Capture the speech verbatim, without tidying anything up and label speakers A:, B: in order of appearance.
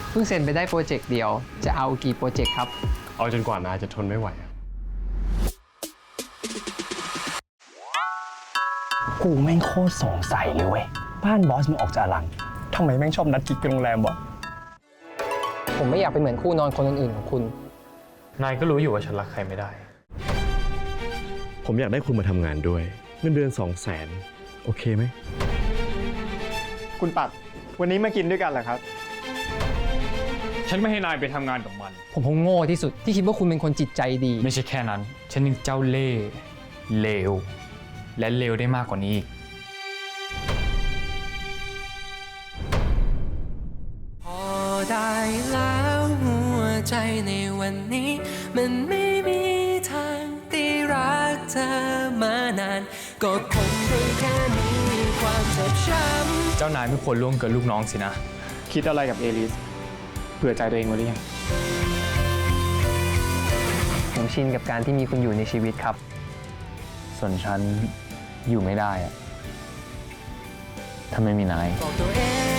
A: เพิ่งเซ็นไปได้โปรเจกต์เดียวจะเอากี่โปรเจกต์ครับ
B: เอาจนกว่านายจะทนไม่ไหว
C: กูแม่งโคตรสงสัยเลยเว้ยบ้านบอสมึงออกจากอลังทำไมแม่งชอบนัดกิ๊กกันโรงแรมวะ
A: ผมไม่อยากเป็นเหมือนคู่นอนคนอื่นๆของคุณ
D: นายก็รู้อยู่ว่าฉันรักใครไม่ได้
B: ผมอยากได้คุณมาทำงานด้วยเงินเดือนสองแสนโอเคไหม
C: คุณปัดวันนี้มากินด้วยกันเหรอครับ
D: ฉันไม่ให้นายไปทำงานกับมัน
A: ผมคงโง่ที่สุดที่คิดว่าคุณเป็นคนจิตใจดี
D: ไม่ใช่แค่นั้นฉันยังเจ้าเล่ห์เลวและเลวได้มากกว่านี้อีก
E: พอได้แล้วหัวใจในวันนี้มันไม่มีทางที่รักเธอมานานก็คงได้แค่มีความเจ็บช้ำ
D: เจ้านายไม่ควรล่วงเกินลูกน้องสินะ
C: คิดอะไรกับเอลิสเผื่อใจตัวเองไว้หรือยัง
A: ผมชินกับการที่มีคุณอยู่ในชีวิตครับ
D: ส่วนฉันอยู่ไม่ได้อะถ้าไม่มีนาย
E: บอกตัวเอง